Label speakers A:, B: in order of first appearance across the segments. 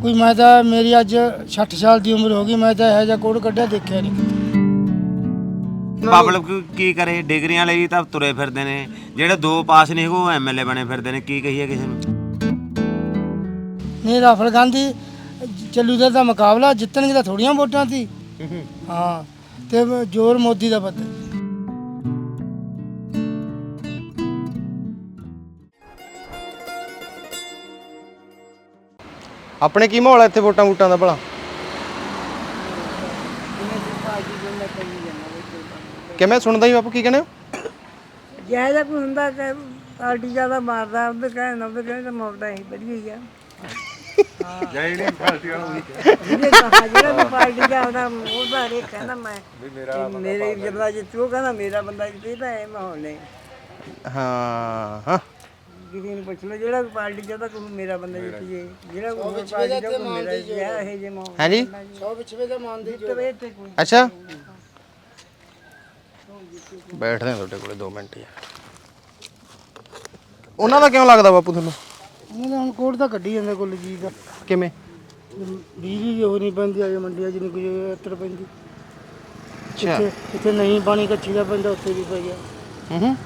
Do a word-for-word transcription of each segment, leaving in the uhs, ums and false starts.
A: कोई मैं तो मेरी अज सठ साल की उम्र हो गई, मैं तो यह कोड कढ़िया देखा नहीं।
B: ਪਬਲਿਕ ਕੀ ਕਰੇ, ਡਿਗਰੀਆਂ ਲਈ ਤਾਂ ਤੁਰੇ ਫਿਰਦੇ ਨੇ, ਜਿਹੜੇ ਦੋ ਪਾਸ ਨਹੀਂ ਉਹ ਐਮਐਲਏ ਬਣੇ ਫਿਰਦੇ ਨੇ, ਕੀ ਕਹੀਏ ਕਿਸੇ ਨੂੰ।
A: नहीं राहुल गांधी चलू का तो मुकाबला जितने की तो थोड़िया वोटा थी। हाँ तो जोर मोदी का पता।
C: ਆਪਣੇ ਕੀ ਮਾਹੌਲ ਹੈ ਇੱਥੇ ਵੋਟਾਂ ਵੋਟਾਂ ਦਾ ਭਲਾ? ਕਿਵੇਂ ਸੁਣਦਾ ਹੀ ਬਾਪੂ, ਕੀ ਕਹਿੰਦੇ ਹੋ?
D: ਜਿਹੋ ਜਿਹਾ ਕੋਈ ਹੁੰਦਾ ਕਿ ਪਾਰਟੀ ਜ਼ਿਆਦਾ ਮਾਰਦਾ ਉਹਦੇ ਕਹਿਣ ਉਹਦੇ ਕਹਿਣ ਤਾਂ ਮੌਕਦਾ ਹੀ ਵਧੀਆ ਹੀ ਆ। ਜਿਹੜੀ ਪਾਰਟੀ ਵਾਲਾ ਜਿਹੜਾ ਪਾਰਟੀ ਦਾ ਉਹਦਾ ਉਹਦਾ ਹਰੇਕ ਕਹਿੰਦਾ ਮੈਂ ਮੇਰੇ ਬੰਦਾ ਜਿੱਤੂ, ਕਹਿੰਦਾ ਮੇਰਾ ਬੰਦਾ ਜਿੱਤੇ, ਤਾਂ ਇਹ ਮਾਹੌਲ ਨੇ।
C: ਹਾਂ ਹਾਂ
D: ਕਿਸੇ ਨੂੰ ਪੁੱਛ ਲਓ ਜਿਹੜਾ ਪਾਰਟੀ ਚਾਹਦਾ ਕੋਈ ਮੇਰਾ ਬੰਦਾ ਜਿੱਤ ਜੇ, ਜਿਹੜਾ ਕੋਈ ਪਾਰਟੀ ਦਾ ਕੋਈ ਮੇਰਾ ਜਿਹਾ ਇਹ ਜੇ ਮਾਹੌਲ।
C: ਹਾਂਜੀ
A: सौ पिछवे का मान दी
D: ਜਿੱਤਵੇ ਇੱਥੇ ਕੋਈ।
C: ਅੱਛਾ ਬੈਠਦੇ ਹਾਂ ਤੁਹਾਡੇ ਕੋਲੇ ਦੋ ਮਿੰਟ ਯਾਰ। ਉਹਨਾਂ ਦਾ ਕਿਉਂ ਲੱਗਦਾ ਬਾਪੂ ਤੁਹਾਨੂੰ?
A: उन्होंने हम कोड तो कढ़ी जाते कुल जी का।
C: ਕਿਵੇਂ?
A: बिजली जो नहीं पैंती अजे मंडिया च नहीं कोई अत्तर पैंती।
C: ਅੱਛਾ
A: इतने नहीं पानी कच्ची का पैंता उत्थे भी पै गया।
C: ਹੂੰ ਹੂੰ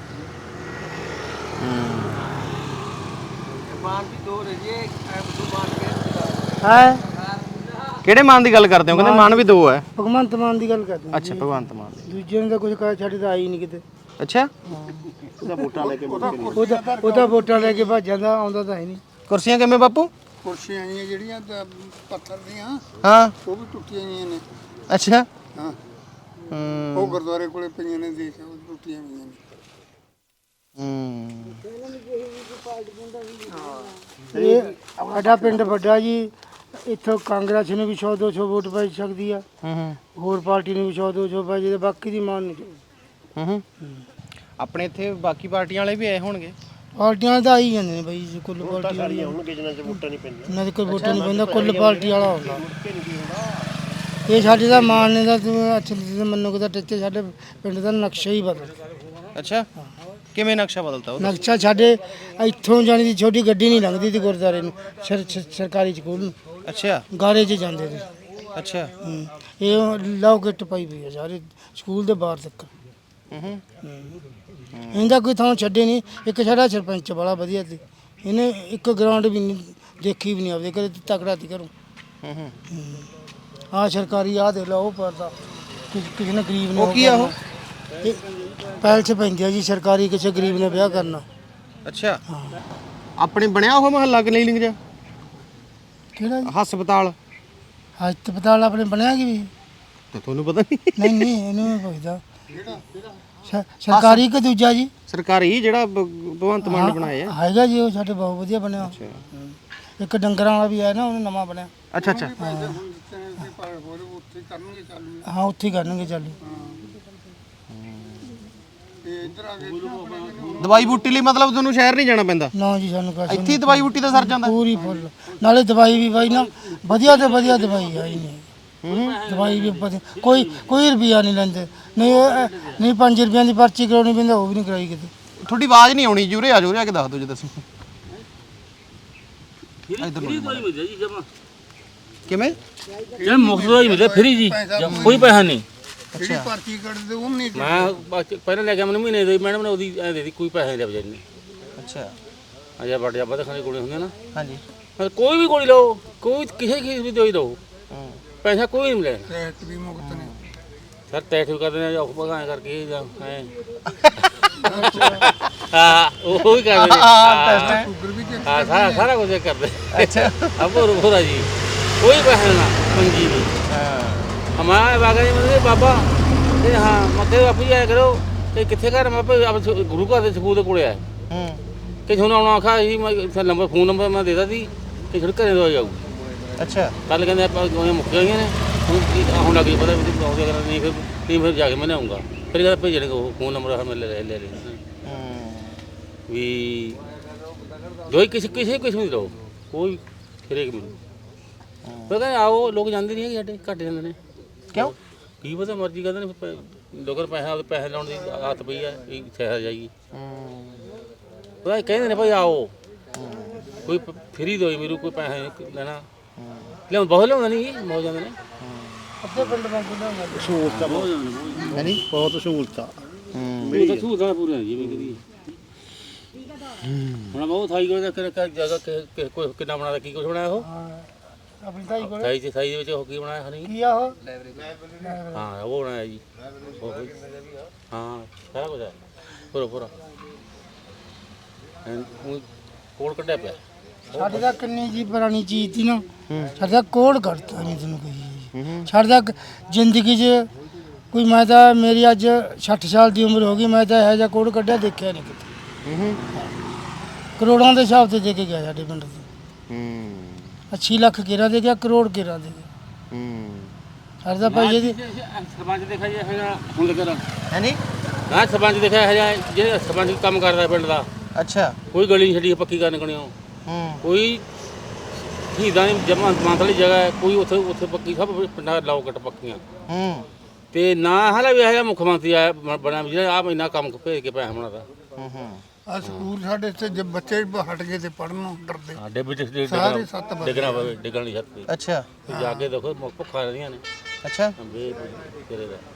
A: है
C: ਕਿਹੜੇ ਮਾਨ ਦੀ ਗੱਲ ਕਰਦੇ ਹੋ? ਕਹਿੰਦੇ ਮਾਨ ਵੀ ਦੋ ਹੈ।
A: भगवंत मान की गल करते हैं।
C: ਅੱਛਾ ਭਗਵੰਤ ਮਾਨ ਦੀ।
A: दूजे ने तो कुछ कहा छड़ी तो आई नहीं किते।
C: ਅੱਛਾ
A: ਉਹਦਾ ਵੋਟਾਂ ਲੈ ਕੇ ਭੱਜ ਜਾਂਦਾ, ਆਉਂਦਾ ਤਾਂ ਹੈ ਨਹੀਂ।
C: ਕੁਰਸੀਆਂ ਕਿਵੇਂ ਬਾਪੂ?
E: ਕੁਰਸੀਆਂ ਆਈਆਂ ਜਿਹੜੀਆਂ ਤਾਂ ਪੱਥਰ ਦੀਆਂ
C: ਹਾਂ
E: ਉਹ ਵੀ ਟੁੱਟੀਆਂ ਹੋਈਆਂ ਨੇ।
C: ਅੱਛਾ
E: ਹਾਂ
C: ਹੂੰ
E: ਉਹ ਗੁਰਦੁਆਰੇ ਕੋਲੇ ਪਈਆਂ ਨੇ, ਦੇਖ ਉਹ ਟੁੱਟੀਆਂ ਹੋਈਆਂ ਨੇ।
C: ਹੂੰ
A: ਇਹ ਸਾਡਾ ਪਿੰਡ ਵੱਡਾ ਜੀ, ਇੱਥੋਂ ਕਾਂਗਰਸ ਨੂੰ ਵੀ ਸੌ ਦੋ ਸੌ ਵੋਟ ਪੈ ਸਕਦੀ ਆ,
C: ਹੂੰ ਹੂੰ
A: ਹੋਰ ਪਾਰਟੀ ਨੂੰ ਵੀ ਸੌ ਦੋ ਸੌ ਪੈ ਜੇ, ਬਾਕੀ ਦੀ ਮਾਨ ਨਹੀਂ।
C: ਹੂੰ ਹੂੰ ਆਪਣੇ ਇੱਥੇ ਬਾਕੀ ਪਾਰਟੀਆਂ ਵਾਲੇ ਵੀ ਆਏ ਹੋਣਗੇ।
A: ਪਾਰਟੀਆਂ ਤਾਂ ਆਈ ਜਾਂਦੇ ਨੇ ਬਈ ਜੀ, ਕੁੱਲ ਪਾਰਟੀ ਵਾਲੀ ਹੋਣਗੇ ਜਿਨ੍ਹਾਂ ਚ ਵੋਟਾਂ ਨਹੀਂ ਪੈਂਦੀਆਂ। ਉਹਨਾਂ ਦੇ ਕੋਈ ਵੋਟਾਂ ਨਹੀਂ ਪੈਂਦਾ, ਕੁੱਲ ਪਾਰਟੀ ਵਾਲਾ ਹੁੰਦਾ। ਇਹ ਸਾਡੇ ਦਾ ਮਾਨ ਨੇ ਦਾ ਅੱਛਾ ਮੰਨੋ ਕਿ ਟੱਚੇ ਸਾਡੇ ਪਿੰਡ ਦਾ ਨਕਸ਼ਾ ਹੀ ਬਦਲ।
C: ਅੱਛਾ ਕਿਵੇਂ ਨਕਸ਼ਾ ਬਦਲਤਾ ਉਹ?
A: ਨਕਸ਼ਾ ਸਾਡੇ ਇੱਥੋਂ ਜਾਣੀ ਦੀ ਛੋਟੀ ਗੱਡੀ ਨਹੀਂ ਲੰਘਦੀ ਸੀ ਗੁਰਦੁਆਰੇ ਨੂੰ, ਸਰ- ਸਰ- ਸਰਕਾਰੀ ਸਕੂਲ ਨੂੰ,
C: ਅੱਛਾ
A: ਗਾਰੇ 'ਚ ਜਾਂਦੇ ਸੀ।
C: ਅੱਛਾ
A: ਹੂੰ। ਇਹ ਲਓ ਗਿੱਟ ਪਾਈ ਪਈ ਆ ਸਾਰੇ ਸਕੂਲ ਦੇ ਬਾਹਰ ਤੱਕ।
C: ਹੂੰ ਹੂੰ
A: ਇਹਦਾ ਕੋਈ ਥਾਂ ਛੱਡੇ ਨਹੀਂ। ਇੱਕ ਸਾਡਾ ਸਰਪੰਚ ਬੜਾ ਵਧੀਆ ਸੀ, ਇਹਨੇ ਇੱਕ ਗਰਾਊਂਡ ਵੀ ਨਹੀਂ ਦੇਖੀ ਵੀ ਨਹੀਂ ਆਪਦੇ ਕਦੇ ਤਕੜਾ ਤੀ ਕਰੂੰ।
C: ਹੂੰ ਹੂੰ
A: ਆਹ ਸਰਕਾਰੀ ਆਹ ਦੇ ਲਓ ਪਰਦਾ ਕਿਸੇ ਨੇ ਗਰੀਬ ਨੇ
C: ਉਹ ਕੀ ਆ ਉਹ?
A: ਇਹ ਪਹਿਲ 'ਚ ਪੈਂਦੀ ਆ ਜੀ, ਸਰਕਾਰੀ ਕਿਸੇ ਗਰੀਬ ਨੇ ਵਿਆਹ ਕਰਨਾ।
C: ਅੱਛਾ ਆਪਣੇ ਬਣਿਆ ਉਹ ਮਹੱਲਾ ਕਲੀਨਿਕ ਜਾਂ
A: ਕਿਹੜਾ ਜੀ?
C: ਹਸਪਤਾਲ?
A: ਹਸਪਤਾਲ ਆਪਣੇ ਬਣਿਆ ਕਿ ਵੀ?
C: ਤੇ ਤੁਹਾਨੂੰ ਪਤਾ ਨਹੀਂ?
A: ਨਹੀਂ ਨਹੀਂ ਇਹਨੂੰ ਮੈਂ ਪੁੱਛਦਾ। ਸ- ਸਰਕਾਰੀ ਕਿ ਦੂਜਾ ਜੀ?
C: ਸਰਕਾਰੀ ਜਿਹੜਾ ਭ- ਭਗਵੰਤ ਮਾਨ ਨੇ ਬਣਾਇਆ।
A: ਹੈਗਾ ਜੀ, ਉਹ ਸਾਡੇ ਬਹੁਤ ਵਧੀਆ ਬਣਿਆ। ਇੱਕ ਡੰਗਰਾਂ ਵਾਲਾ ਵੀ ਹੈ ਨਾ, ਉਹਨੇ ਨਵਾਂ ਬਣਿਆ।
C: ਅੱਛਾ ਅੱਛਾ
E: ਉੱਥੇ ਕਰਨਗੇ ਚਾਲੂ।
A: ਹਾਂ ਉੱਥੇ ਹੀ ਕਰਨਗੇ ਚਾਲੂ।
E: ਤੇ ਇੱਧਰ ਆ ਕੇ
C: ਦਵਾਈ ਬੂਟੀ ਲਈ ਮਤਲਬ ਤੁਹਾਨੂੰ ਸ਼ਹਿਰ ਨਹੀਂ ਜਾਣਾ ਪੈਂਦਾ?
A: ਨਾ ਜੀ ਸਾਨੂੰ ਕੁਛ
C: ਇੱਥੇ ਹੀ ਦਵਾਈ ਬੂਟੀ ਦਾ ਸਰ ਜਾਂਦਾ?
A: ਪੂਰੀ ਫੁੱਲ, ਨਾਲੇ ਦਵਾਈ ਵੀ ਬਾਈ ਨਾ ਵਧੀਆ ਤੇ ਵਧੀਆ ਦਵਾਈ ਆਈ ਨਹੀਂ। ਦਵਾਈ ਵੀ ਵਧੀਆ, ਕੋਈ ਕੋਈ ਰੁਪਿਆ ਨਹੀਂ ਲੈਂਦੇ। ਨਹੀਂ ਇਹ- ਨਹੀਂ ਪੰਜ ਰੁਪਈਆਂ ਦੀ ਪਰਚੀ ਕਰਾਉਣੀ ਪੈਂਦੀ, ਉਹ ਵੀ ਨਹੀਂ ਕਰਾਈ ਕਿਤੇ।
C: ਤੁਹਾਡੀ ਆਵਾਜ਼ ਨਹੀਂ ਆਉਣੀ, ਜੂਰੇ ਆ ਜੂਰੇ ਆ ਕੇ ਦੱਸ ਦਿਓ ਜੇ ਦੱਸੋ। ਕਿਵੇਂ?
F: ਜਿਹੜਾ ਮੁਫਤ ਦਾ ਹੀ ਮਿਲਿਆ ਫਰੀ ਜੀ, ਕੋਈ ਪੈਸਾ ਨਹੀਂ।
E: ਜਿਹੜੀ ਪਰਚੀ ਕੱਢਦੇ ਉਹ ਵੀ ਨਹੀਂ
F: ਮੈਂ ਬਸ ਪਹਿਲਾਂ ਲੈ ਕੇ ਮੈਨੂੰ ਮਹੀਨੇ ਦੀ ਮੈਡਮ ਨੇ ਉਹਦੀ ਐ ਦੇ ਦਿੱਤੀ, ਕੋਈ ਪੈਸਾ ਨਹੀਂ ਲਿਆ ਵਿਚਾਰੀ ਨੇ।
C: ਅੱਛਾ
F: ਅਜਾ ਬੜ ਜਾਬਾ ਖਾਣੇ ਕੋਲੇ ਹੁੰਦੇ ਨਾ,
C: ਹਾਂਜੀ
F: ਕੋਈ ਵੀ ਗੋਲੀ ਲਓ, ਕੋਈ ਕਿਸੇ ਕਿਸੇ ਵੀ ਦਵਾਈ ਲਓ, ਪੈਸਾ ਕੋਈ ਨਹੀਂ ਮਿਲਿਆ।
E: ਟੈਸਟ ਵੀ ਮੁਕਤ ਨੇ।
F: ਸਰ ਟੈਸਟ ਵੀ ਕਰਦੇ ਨੇ, ਔਖ ਭਗਾਂ ਕਰਕੇ ਜਾਂ ਐ ਹਾਂ ਉਹ ਵੀ ਕਰਦੇ ਨੇ।
E: ਸ਼ੂਗਰ ਵੀ ਚੈੱਕ
F: ਹਾਂ ਸਾਰਾ ਸਾਰਾ ਕੁਝ ਕਰਦੇ।
C: ਅੱਛਾ
F: ਅਬੋ ਰੋਰਾ ਜੀ ਕੋਈ ਪੈਸਾ ਨਾ ਪੰਜੀ ਨਹੀਂ।
C: ਹਾਂ
F: ਮੈਂ ਬਾਗਾ ਜੀ ਮੈਨੂੰ ਬਾਬਾ ਤੇ ਹਾਂ ਮੱਥੇ ਬਾਪੂ ਜੀ ਆਇਆ ਕਰੋ ਤੇ ਕਿੱਥੇ ਘਰ ਮੈਂ ਭਾਈ ਆਪ ਗੁਰੂ ਘਰ ਦੇ ਸਕੂਲ ਦੇ ਕੋਲੇ ਆਇਆ
C: ਹੂੰ
F: ਕਿ ਤੁਹਾਨੂੰ ਆਉਣਾ ਆਖਾ ਜੀ, ਮੈਂ ਇੱਥੇ ਨੰਬਰ ਫੋਨ ਨੰਬਰ ਮੈਂ ਦੇ ਦਿੱਤਾ ਸੀ ਕਿ ਛੜ ਘਰੇ ਦਵਾਈ ਆਊ।
C: ਅੱਛਾ
F: ਕੱਲ ਕਹਿੰਦੇ ਆਪਾਂ ਦਵਾਈਆਂ ਮੁੱਕ ਗਈਆਂ ਨੇ, ਹੁਣ ਕੀ ਹੁਣ ਲੱਗ ਜੀ ਪਤਾ ਵੀ ਬਹੁਤ ਜ਼ਿਆਦਾ ਨਹੀਂ, ਫਿਰ ਨਹੀਂ ਫਿਰ ਜਾ ਕੇ ਮੈਂ ਆਉਂਗਾ। ਫਿਰ ਕਹਿੰਦਾ ਭੇਜਣਗੇ ਉਹ ਫੋਨ ਨੰਬਰ ਮੈਂ ਲੈ ਲੈ ਲੈ ਲੈ ਵੀ ਦਵਾਈ ਕਿਸੇ ਕਿਸੇ ਕਿਸਮ ਦੀ ਲਓ, ਕੋਈ ਫਿਰੇਕ ਮਿਲੂ। ਪਰ ਕਹਿੰਦੇ ਆਓ, ਲੋਕ ਜਾਂਦੇ ਨਹੀਂ ਹੈਗੇ ਸਾਡੇ, ਘੱਟ ਜਾਂਦੇ ਨੇ।
C: ਕਿਉਂ?
F: ਕੀ ਪਤਾ ਮਰਜ਼ੀ ਕਰਦੇ ਨੇ, ਲੋਕਾਂ ਪੈਸਾ ਪੈਸੇ ਲਾਉਣ ਦੀ ਆਦਤ ਪਈ ਆ, ਇਹ ਸ਼ਹਿਰ ਜਾਈਏ। ਪਤਾ ਕਹਿੰਦੇ ਨੇ ਭਾਈ ਆਓ, ਕੋਈ ਫਰੀ ਦਵਾਈ ਮਿਲੂ, ਕੋਈ ਪੈਸਾ ਨਹੀਂ ਲੈਣਾ, ਲਿਆਉਂ ਬਹੁਤ ਲਿਆਉਂਦੇ ਨਹੀਂ ਬਹੁਤ ਜਾਂਦੇ ਨੇ
A: ਅੱਧੇ ਪਿੰਡ ਵਾਂਗੂ ਲਿਆਉਂਦਾ
C: ਸਹੂਲਤਾਂ ਬਹੁਤ ਹੈ ਨਹੀਂ ਬਹੁਤ ਸਹੂਲਤਾਂ
F: ਮੇਰੀ ਤਾਂ ਸਹੂਲਤਾਂ ਪੂਰੀਆਂ ਜਿਵੇਂ ਕਰੀ ਹੁਣ ਬਹੁਤ ਥਾਈ ਕੋਲ ਜਗ੍ਹਾ ਕਿ ਕੋਈ ਕਿੰਨਾ ਬਣਾਦਾ ਕੀ ਕੁਝ ਬਣਾਇਆ ਉਹ
A: ਹਾਂ ਆਪਣੀ ਤਾਈ ਕੋਲ
F: ਥਾਈ ਚ ਥਾਈ ਦੇ ਵਿੱਚ ਉਹ ਕੀ ਬਣਾਇਆ ਹਨੀ
A: ਕੀ ਆ ਉਹ
F: ਹਾਂ ਉਹ ਬਣਾਇਆ ਜੀ ਉਹ ਕੋਈ- ਹਾਂ ਸਾਰਾ ਕੁਝ ਹੈ ਪੂਰਾ ਪੂਰਾ ਐਨ ਊਂ ਕੋਲ ਕੱਢਿਆ ਪਿਆ
A: ਸਾਡੇ ਤਾਂ ਕਿੰਨੀ ਜੀ ਪੁਰਾਣੀ ਚੀਜ਼ ਸੀ ਨਾ ਸਾਡੇ ਤਾਂ ਕੋਡ ਕਰਤਾ ਨਹੀਂ ਤੈਨੂੰ ਕਹੀ ਸਾਡੇ ਤਾਂ ਜ਼ਿੰਦਗੀ 'ਚ ਕੋਈ ਮੈਂ ਤਾਂ ਮੇਰੀ ਅੱਜ ਸੱਠ ਸਾਲ ਦੀ ਉਮਰ ਹੋ ਗਈ ਮੈਂ ਤਾਂ ਇਹੋ ਜਿਹਾ ਕੋਡ ਕੱਢਿਆ ਦੇਖਿਆ ਨਹੀਂ ਕਿਤੇ ਕਰੋੜਾਂ ਦੇ ਹਿਸਾਬ ਤੇ ਦੇ ਕੇ ਗਿਆ ਸਾਡੇ ਪਿੰਡ ਤੋਂ ਅੱਸੀ ਲੱਖ ਕਿਰਾ ਦੇ ਗਿਆ ਕਰੋੜ ਕਿਰਾ ਦੇ ਗਿਆ ਸਾਡੇ ਤਾਂ ਭਾਈ ਜੀ
F: ਸਰਪੰਚ ਦੇਖਿਆ ਜੀ ਹੈਗਾ ਹੁਣ ਲੱਗਿਆ
C: ਹੈ ਨਹੀਂ
F: ਨਾ ਸਰਪੰਚ ਦੇਖਿਆ ਹੈਗਾ ਜਿਹੜੇ ਸਰਪੰਚ ਕੰਮ ਕਰਦਾ ਪਿੰਡ ਦਾ
C: ਅੱਛਾ
F: ਕੋਈ ਗਲੀ ਨਹੀਂ ਛੱਡੀ ਪੱਕੀ ਕਰਨ ਕਣਿਓ
C: ਹੂੰ
F: ਕੋਈ ਸ਼ਹੀਦਾਂ ਦੀ ਜਮਾ ਜਮਾਤ ਵਾਲੀ ਜਗ੍ਹਾ ਹੈ ਕੋਈ ਉੱਥੇ ਉੱਥੇ ਪੱਕੀ ਸਭ ਪਿੰਡਾਂ ਲਾਉਕਟ ਪੱਕੀਆਂ
C: ਹੂੰ
F: ਤੇ ਨਾ ਹਾਲੇ ਵੀ ਹੈਗਾ ਮੁੱਖ ਮੰਤਰੀ ਆਇਆ ਬ- ਬਣਿਆ ਵੀ ਜਿਹੜਾ ਆਪ ਇੰਨਾ ਕੰਮ ਭੇਜ ਕੇ ਪੈਸਾ ਬਣਾਦਾ
C: ਹੂੰ ਹੂੰ
E: ਆ ਸਕੂਲ ਸਾਡੇ ਇੱਥੇ ਜੇ ਬੱਚੇ ਹਟ ਗਏ ਤੇ ਪੜਨੋਂ ਡਰਦੇ
F: ਸਾਡੇ ਵਿੱਚ
E: ਸਾਰੇ ਸੱਤ ਬੱਚੇ।
F: ਡਿੱਗਣਾ ਪਵੇ ਡਿੱਗਣ ਦੀ ਛੱਤ ਤੇ
C: ਅੱਛਾ
F: ਤੇ ਜਾ ਕੇ ਦੇਖੋ ਮੁੱਖ ਭੁੱਖਾ ਰਹਿੰਦੀਆਂ ਨੇ
C: ਅੱਛਾ
F: ਬੇ ਤੇਰੇ ਦਾ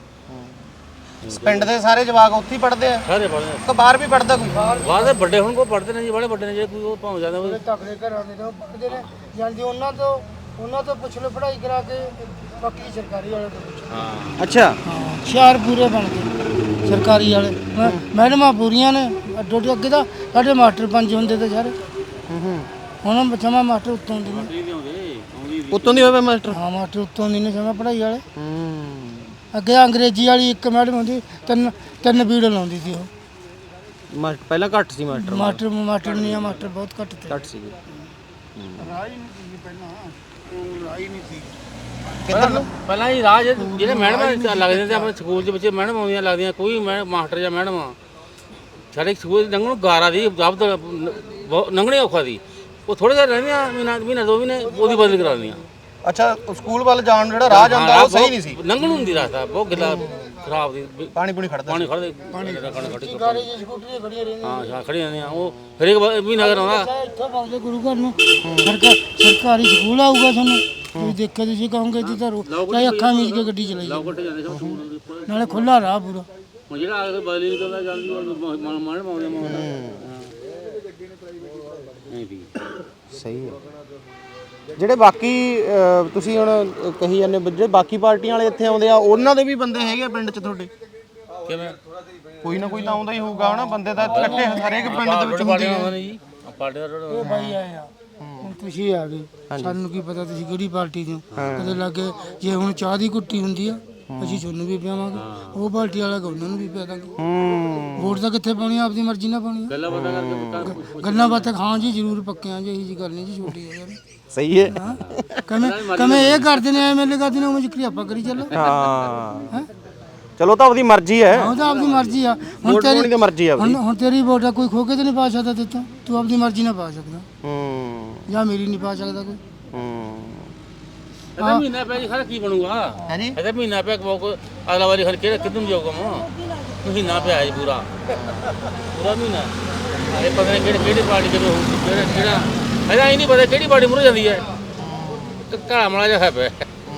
C: ਪਿੰਡ ਦੇ ਸਾਰੇ ਜਵਾਕ ਉੱਥੇ ਹੀ ਪੜ੍ਹਦੇ ਆ
F: ਸਾਰੇ ਪੜ੍ਹਦੇ
C: ਤਾਂ ਬਾਹਰ ਵੀ ਪੜ੍ਹਦਾ ਕੋਈ
F: ਬਾਅਦ ਵੱਡੇ ਹੁਣ ਕੋ ਪੜ੍ਹਦੇ ਨੇ ਜੀ ਬੜੇ ਵੱਡੇ ਨੇ ਜੇ ਕੋਈ ਉਹ ਭਾਵੇਂ ਜਾਂਦਾ ਹੋਵੇ
A: ਤਕੜੇ ਘਰਾਂ ਦੇ ਨੇ ਉਹ ਪੜ੍ਹਦੇ ਨੇ ਜਾਂਦੇ ਉਹਨਾਂ ਤੋਂ ਉਹਨਾਂ ਤੋਂ ਪੁੱਛ ਲਓ ਪੜ੍ਹਾਈ ਕਰਾ ਕੇ ਬਾਕੀ ਸਰਕਾਰੀ ਵਾਲੇ ਤੋਂ ਪੁੱਛੋ
F: ਹਾਂ
C: ਅੱਛਾ
A: ਹਾਂ ਹੁਸ਼ਿਆਰ ਪੂਰੇ ਬਣ ਗਏ ਸਰਕਾਰੀ ਵਾਲੇ ਮੈਂ- ਮੈਡਮਾਂ ਪੂਰੀਆਂ ਨੇ ਅੱਡੋ ਅੱਡੀ ਅੱਗੇ ਤਾਂ ਸਾਡੇ ਮਾਸਟਰ ਪੰਜ ਹੁੰਦੇ ਤੇ ਸਾਰੇ
C: ਹੂੰ ਹੂੰ
A: ਹੁਣ ਬਚਾਵਾ ਮਾਸਟਰ ਉੱਤੋਂ ਦੀ ਨੇ
F: ਨਹੀਂ ਆਉਂਦੇ ਆਉਂਦੀ
C: ਉੱਤੋਂ ਦੀ ਹੋਵੇ ਮਾਸਟਰ
A: ਹਾਂ ਮਾਸਟਰ ਉੱਤੋਂ ਦੀ ਨੇ ਸਮਾਂ ਪੜ੍ਹਾਈ ਵਾਲੇ
C: ਹੂੰ
A: ਅੱਗੇ ਅੰਗਰੇਜ਼ੀ ਵਾਲੀ ਇੱਕ ਮੈਡਮ ਹੁੰਦੀ ਤਿੰਨ ਤਿੰਨ ਬੀੜ ਲਾਉਂਦੀ ਸੀ ਉਹ
C: ਮਾਸਟਰ ਪਹਿਲਾਂ ਘੱਟ ਸੀ ਮਾਸਟਰ
A: ਮਾਸਟਰ ਮਾਸਟਰ ਨਹੀਂ ਆ ਮਾਸਟਰ ਬਹੁਤ ਘੱਟ ਤੇ
C: ਘੱਟ ਸੀ
E: ਰਾਹ ਹੀ ਨਹੀਂ ਸੀ ਪਹਿਲਾਂ ਉਹ ਰਾਹ ਹੀ ਨਹੀਂ ਸੀ
C: ਕਿੱਧਰ ਨੂੰ
F: ਪਹਿਲਾਂ ਹੀ ਰਾਜ ਜਿਹੜੇ ਮੈਡਮ ਲੱਗਦੇ ਤੇ ਆਪਣੇ ਸਕੂਲ ਦੇ ਵਿੱਚ ਮੈਡਮ ਆਉਂਦੀਆਂ ਲੱਗਦੀਆਂ ਕੋਈ ਮੈਂ ਮਾਸਟਰ ਜਾਂ ਮੈਡਮ ਸਾਡੇ ਸਕੂਲ ਲੰਘਣ ਨੂੰ ਗਾਰਾ ਦੀ ਜਬ ਲੰਘਣੇ ਔਖਾ ਦੀ ਉਹ ਥੋੜੇ ਜਿਹਾ ਰਹਿੰਦੀਆਂ ਮਹੀਨਾ ਮਹੀਨਾ ਦੋ ਮਹੀਨੇ ਉਹਦੀ ਬਦਲ ਕਰਾ ਦਿੰਦੀਆਂ
C: ਅੱਛਾ ਸਕੂਲ ਵੱਲ ਜਾਣ ਜਿਹੜਾ ਰਾਹ ਜਾਂਦਾ ਉਹ ਸਹੀ ਨਹੀਂ ਸੀ
F: ਲੰਘਣ ਹੁੰਦੀ ਰਸਤਾ ਬਹੁਤ ਗਿੱਲਾ ਖਰਾਬ ਦੀ ਵੀ
C: ਪਾਣੀ ਪੂਣੀ ਖੜਦਾ
F: ਪਾਣੀ ਖੜਦੇ ਪਾਣੀ ਖੜੀ
A: ਗਾੜੀ ਜੀ ਸਕੂਟਰੀ ਖੜੀਆਂ ਰਹਿੰਦੀਆਂ
F: ਹਾਂ ਹਾਂ ਖੜੀ ਜਾਂਦੀਆਂ ਉਹ ਹਰੇਕ ਮਹੀਨਾ ਕਰਾਉਂਦਾ
A: ਚਾਹੇ ਇੱਥੋਂ ਪਾਉਂਦੇ ਗੁਰੂ ਘਰ ਨੂੰ ਸਰਕਾਰ ਸਰਕਾਰੀ ਸਕੂਲ ਆਊਗਾ ਤੁਹਾਨੂੰ ਤੁਸੀਂ ਦੇਖਿਆ ਤੁਸੀਂ ਕਹੋਗੇ ਜੀ ਤਾਂ ਚਾਹੇ ਅੱਖਾਂ ਮੀਚ ਕੇ ਗੱਡੀ ਚਲਾਈ ਜਾਓ।
F: ਕੱਟ ਜਾਂਦੇ ਸਭ ਸਕੂਲ ਦੇ ਉੱਪਰ।
A: ਨਾਲੇ ਖੁੱਲਾ ਰਾਹ ਪੂਰਾ
F: ਹੁਣ ਜਿਹੜਾ ਆ ਕੇ ਬਦਲੀ ਨਿਕਲਦਾ ਜਾਂਦੀ ਉਹ ਮਾਣ ਮਾਉਂਦੇ ਮਾਉਂਦੇ ਨਹੀਂ ਵੀ
C: ਸਹੀ ਹੈ ਜਿਹੜੇ ਬਾਕੀ ਅਹ, ਤੁਸੀਂ ਹੁਣ ਕਹੀ ਜਾਂਦੇ ਹੋ, ਜਿਹੜੇ ਬਾਕੀ ਪਾਰਟੀਆਂ ਵਾਲੇ ਇੱਥੇ ਆਉਂਦੇ ਆ ਉਹਨਾਂ ਦੇ ਵੀ ਬੰਦੇ ਹੈਗੇ ਆ ਪਿੰਡ 'ਚ ਤੁਹਾਡੇ
F: ਕਿਵੇਂ
C: ਕੋਈ ਨਾ ਕੋਈ ਤਾਂ ਆਉਂਦਾ ਹੀ ਹੋਊਗਾ ਹਨਾ ਬੰਦੇ ਤਾਂ ਇਕੱਠੇ ਹਰੇਕ ਪਿੰਡ ਦੇ ਵਿੱਚ ਹੁੰਦੇ ਆ
F: ਨੇ ਜੀ ਆ ਪਾਰਟੀ ਦਾ
A: ਉਹ ਬਾਈ ਆਏ ਆ ਹੁਣ ਤੁਸੀਂ ਆ ਗਏ ਸਾਨੂੰ ਕੀ ਪਤਾ ਤੁਸੀਂ ਕਿਹੜੀ ਪਾਰਟੀ ਦੇ ਹੋ ਕਦੇ ਲੱਗੇ ਜੇ ਹੁਣ ਚਾਹ ਦੀ ਕੁੱਟੀ ਹੁੰਦੀ ਆ ਅਸੀਂ ਤੁਹਾਨੂੰ ਵੀ ਪਿਆਵਾਂਗੇ ਉਹ ਪਾਰਟੀ ਵਾਲਾ ਉਹਨਾਂ ਨੂੰ ਵੀ ਪਿਆ ਦਾਂਗੇ
C: ਹੂੰ
A: ਵੋਟ ਤਾਂ ਕਿੱਥੇ ਪਾਉਣੀ ਆ ਆਪਦੀ ਮਰਜ਼ੀ ਨਾਲ ਪਾਉਣੀ ਆ
F: ਗੱਲਾਂ ਬਾਤਾਂ ਕਰਕੇ ਪੱਕਾ
A: ਗੱਲਾਂ ਬਾਤਾਂ ਖਾਂ ਜੀ ਜ਼ਰੂਰ ਪੱਕਿਆਂ ਜੀ ਇਹੀ ਜੀ ਗੱਲ ਨਹੀਂ ਜੀ ਛੋਟੀ ਹੈ ਯਾਰ
C: ਸਹੀ ਹੈ
A: ਹਾਂ ਕਮੇ ਕਮੇ ਇਹ ਕਰਦੇ ਨੇ ਐਮਐਲਏ ਕਰਦੇ ਨੇ ਉਹ ਜਿਕਰੀ ਆਪਾਂ ਕਰੀ ਚੱਲੋ
C: ਹਾਂ ਚਲੋ ਤਾਂ ਆਪਦੀ ਮਰਜ਼ੀ ਹੈ
A: ਉਹ ਤਾਂ ਆਪਦੀ ਮਰਜ਼ੀ ਆ ਹੁਣ
C: ਵੋਟ ਪਾਉਣੀ
A: ਤੇਰੀ
C: ਤਾਂ ਮਰਜ਼ੀ ਆ ਆਪਦੀ
A: ਹੁਣ ਹੁਣ ਤੇਰੀ ਵੋਟ ਆ ਕੋਈ ਖੋ ਕੇ ਤੇ ਨਹੀਂ ਪਾ ਸਕਦਾ ਦਿੱਤਾ ਤੂੰ ਆਪਦੀ ਮਰਜ਼ੀ ਨਾਲ ਪਾ ਸਕਦਾ
C: ਹੂੰ
A: ਜਾਂ ਮੇਰੀ ਨਹੀਂ ਪਾ ਸਕਦਾ ਕੋਈ
C: ਹੂੰ
F: ਇਹਦਾ ਮਹੀਨਾ ਪਿਆ ਜੀ ਖਰਾ ਕੀ ਬਣੂਗਾ
C: ਹੈ ਜੀ
F: ਇਹਦਾ ਮਹੀਨਾ ਪਿਆ ਕੋ ਅਗਲਾ ਵਾਰੀ ਖਰ ਕਿਹੜਾ ਕਿੱਦੂ ਜਾਊਗਾ ਮਾ ਮਹੀਨਾ ਪਿਆ ਜੀ ਪੂਰਾ ਪੂਰਾ ਮਹੀਨਾ ਇਹ ਪਤਾ ਨਹੀਂ ਕਿਹੜੀ ਕਿਹੜੀ ਪਾਰਟੀ ਕਿਹੜੇ ਹੋਊਗੀ ਕਿਹੜਾ ਕਿਹੜਾ ਇਹਦਾ ਹੀ ਨਹੀਂ ਪਤਾ ਕਿਹੜੀ ਪਾਰਟੀ ਮੁਰ ਜਾਂਦੀ ਹੈ ਕਾਲਾ ਮਲਾ ਜਿਹਾ ਹੈ ਪਿਆ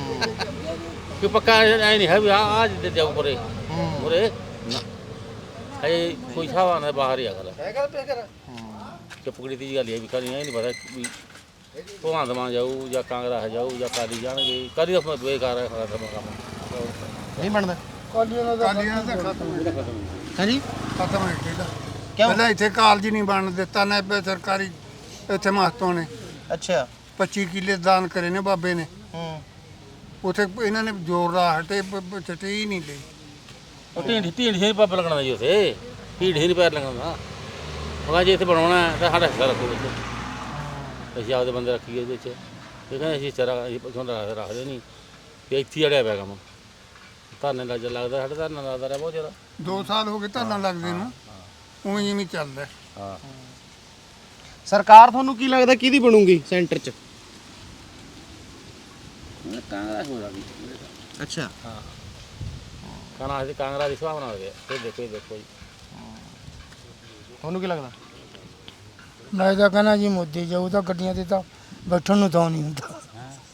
F: ਕਿ ਪੱਕਾ ਐ ਨਹੀਂ ਹੈ ਵੀ ਆ ਆ ਜਿੱਦੇ ਜਾਊ ਪਰੇ ਮੁਰੇ ਨਾ ਇਹ ਕੋਈ ਸਾਵਾ ਨਾ ਬਾਹਰ ਹੀ ਆ ਗੱਲ ਚੁੱਪਕੜੀ ਦੀ ਗੱਲ ਹੈ ਵੀ ਕਰੀ ਨਹੀਂ ਪਤਾ ਵੀ ਭਗਵੰਤ ਮਾਨ ਜਾਊ ਜਾਂ ਕਾਂਗਰਸ ਜਾਊ ਜਾਂ ਕਾਲੀ ਜਾਣਗੇ ਕਾਲੀ ਦਾ ਬੇਕਾਰ ਹੈ ਖਤਮ ਕੰਮ
C: ਨਹੀਂ ਬਣਦਾ
A: ਕਾਲੀਆਂ ਦਾ
E: ਕਾਲੀਆਂ ਦਾ ਖਤਮ ਹੈ
C: ਹੈ ਜੀ
E: ਖਤਮ ਹੈ ਕਿਹੜਾ
C: ਕਿਉਂ
E: ਪਹਿਲਾਂ ਇੱਥੇ ਕਾਲਜ ਨਹੀਂ ਬਣ ਦਿੱਤਾ ਨਾ ਪੇ ਸਰਕਾਰੀ ਇੱਥੇ ਮਹਤੋਂ ਨੇ
C: ਅੱਛਾ
E: ਪੱਚੀ ਕਿੱਲੇ ਦਾਨ ਕਰੇ ਨੇ ਬਾਬੇ ਨੇ
C: ਹੂੰ
E: ਉਥੇ ਇਹਨਾਂ ਨੇ ਜ਼ੋਰ ਦਾ ਹਟੇ ਚਟੇ ਹੀ ਨਹੀਂ ਲਈ
F: ਉਹ ਢੀਂਡ ਢੀਂਡ ਹੀ ਪੱਪ ਲੱਗਣਾ ਜੀ ਉਥੇ ਢੀਂਡ ਹੀ ਨਹੀਂ ਪੈਰ ਲੱਗਣਾ ਉਹ ਜੇ ਇੱਥੇ ਬਣਾਉਣਾ ਹੈ ਤਾਂ ਸਾਡਾ ਹਿੱਸਾ ਰੱਖੋ ਵਿੱਚ ਅਸੀਂ ਆਪਦੇ ਬੰਦੇ ਰੱਖੀਏ ਉਹਦੇ ਵਿੱਚ ਇਹ ਕਹਿੰਦੇ ਅਸੀਂ ਚਾਰਾ ਅਸੀਂ ਪਛੋਂਦਾ ਰੱਖਦੇ ਨਹੀਂ ਤੇ ਇੱਥੇ ਅੜਿਆ ਪਿਆ ਕੰਮ ਧਰਨੇ ਲੱਜ ਲੱਗਦਾ ਸਾਡੇ ਧਰਨਾ ਲੱਗਦਾ ਰਿਹਾ ਬਹੁਤ ਜ਼ਿਆਦਾ
E: ਦੋ ਸਾਲ ਹੋ ਗਏ ਧਰਨਾ ਲੱਗਦੇ ਨੂੰ ਉਵੇਂ ਜਿਵੇਂ ਚੱਲਦਾ
F: ਹਾਂ
C: ਸਰਕਾਰ ਤੁਹਾਨੂੰ ਕੀ ਲੱਗਦਾ ਕਿਹਦੀ ਬਣੂਗੀ ਸੈਂਟਰ 'ਚ
F: ਕਾਂਗਰਸ ਹੋ ਰਹੀ
C: ਅੱਛਾ
F: ਹਾਂ ਕਾਂਗਰਸ ਦੀ ਕਾਂਗਰਸ ਦੀ ਸੁਭਾਵਨਾ ਹੋ ਗਿਆ ਇਹ ਦੇਖੋ ਇਹ ਦੇਖੋ ਜੀ
C: ਤੁਹਾਨੂੰ ਕੀ ਲੱਗਦਾ
A: ਮੈਂ ਤਾਂ ਕਹਿੰਦਾ ਜੀ ਮੋਦੀ ਜਾਊ ਤਾਂ ਗੱਡੀਆਂ ਤੇ ਤਾਂ ਬੈਠਣ ਨੂੰ ਤਾਂ ਨਹੀਂ ਹੁੰਦਾ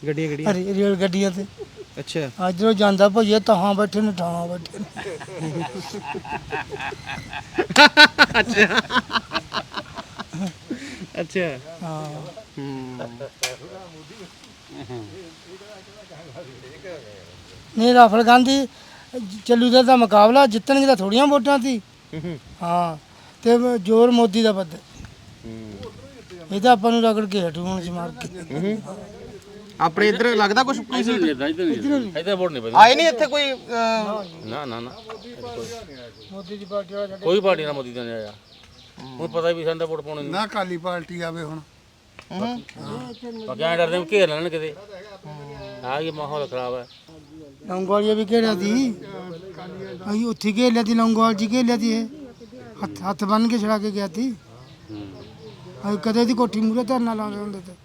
C: ਗੱਡੀਆਂ ਗੱਡੀਆਂ
A: ਰੇ- ਰੇਲ ਗੱਡੀਆਂ ਤੇ
C: ਅੱਛਾ
A: ਅੱਜ ਉਹ ਜਾਂਦਾ ਭਈਆ ਤਹਾਂ ਬੈਠੇ ਨੇ ਠਾਹਾਂ ਬੈਠੇ ਨੇ
C: ਅੱਛਾ
A: ਹਾਂ
C: ਹੂੰ
A: ਨਹੀਂ ਰਾਹੁਲ ਗਾਂਧੀ ਚੱਲੂ ਦਾ ਤਾਂ ਮੁਕਾਬਲਾ ਜਿੱਤਣਗੇ ਤਾਂ ਥੋੜੀਆਂ ਵੋਟਾਂ ਸੀ ਹਾਂ ਤੇ ਜ਼ੋਰ ਮੋਦੀ ਦਾ ਵੱਧ ਇਹ ਤਾਂ ਆਪਾਂ ਨੂੰ ਰਗੜ ਕੇ ਹਟੂ ਹੁਣ ਮਾਰ ਕੇ
C: ਆਪਣੇ ਇੱਧਰ ਲੱਗਦਾ ਕੁਝ ਕੋਈ ਸੀ
F: ਇੱਧਰ ਨਹੀਂ ਇੱਧਰ ਵੋਟ ਨਹੀਂ ਪੈਂਦੀ
C: ਆਏ ਨਹੀਂ ਇੱਥੇ ਕੋਈ ਅਹ,
F: ਨਾ ਨਾ ਨਾ
A: ਮੋਦੀ ਦੀ ਪਾਰਟੀ ਵਾਲਾ
F: ਕੋਈ ਪਾਰਟੀ ਨਾਲ ਮੋਦੀ ਦਾ ਨਹੀਂ ਆਇਆ ਹੁਣ ਪਤਾ ਵੀ ਸਾਨੂੰ ਵੋਟ ਪਾਉਣੀ
E: ਨਾ ਕਾਲੀ ਪਾਰਟੀ ਆਵੇ ਹੁਣ
F: ਬਾਕੀ ਐਂ ਡਰਦੇ ਵੀ ਘੇਰ ਲੈਣ ਕਿਤੇ ਆ ਇਹ ਮਾਹੌਲ ਖਰਾਬ ਹੈ
A: ਲੌਂਗੋਵਾਲੀਆ ਵੀ ਘੇਰਿਆ ਸੀ ਅਸੀਂ ਉੱਥੇ ਘੇਰ ਲਿਆ ਸੀ ਲੌਂਗੋਵਾਲ ਜੀ ਘੇਰ ਲਿਆ ਸੀ ਇਹ ਹੱਥ ਹੱਥ ਬੰਨ ਕੇ ਛੜਾ ਕੇ ਗਿਆ ਸੀ ਅਸੀਂ ਕਦੇ ਦੀ ਕੋਠੀ ਮੂਰੇ ਧਰਨਾ ਲਾਉਂਦੇ ਹੁੰਦੇ ਤੇ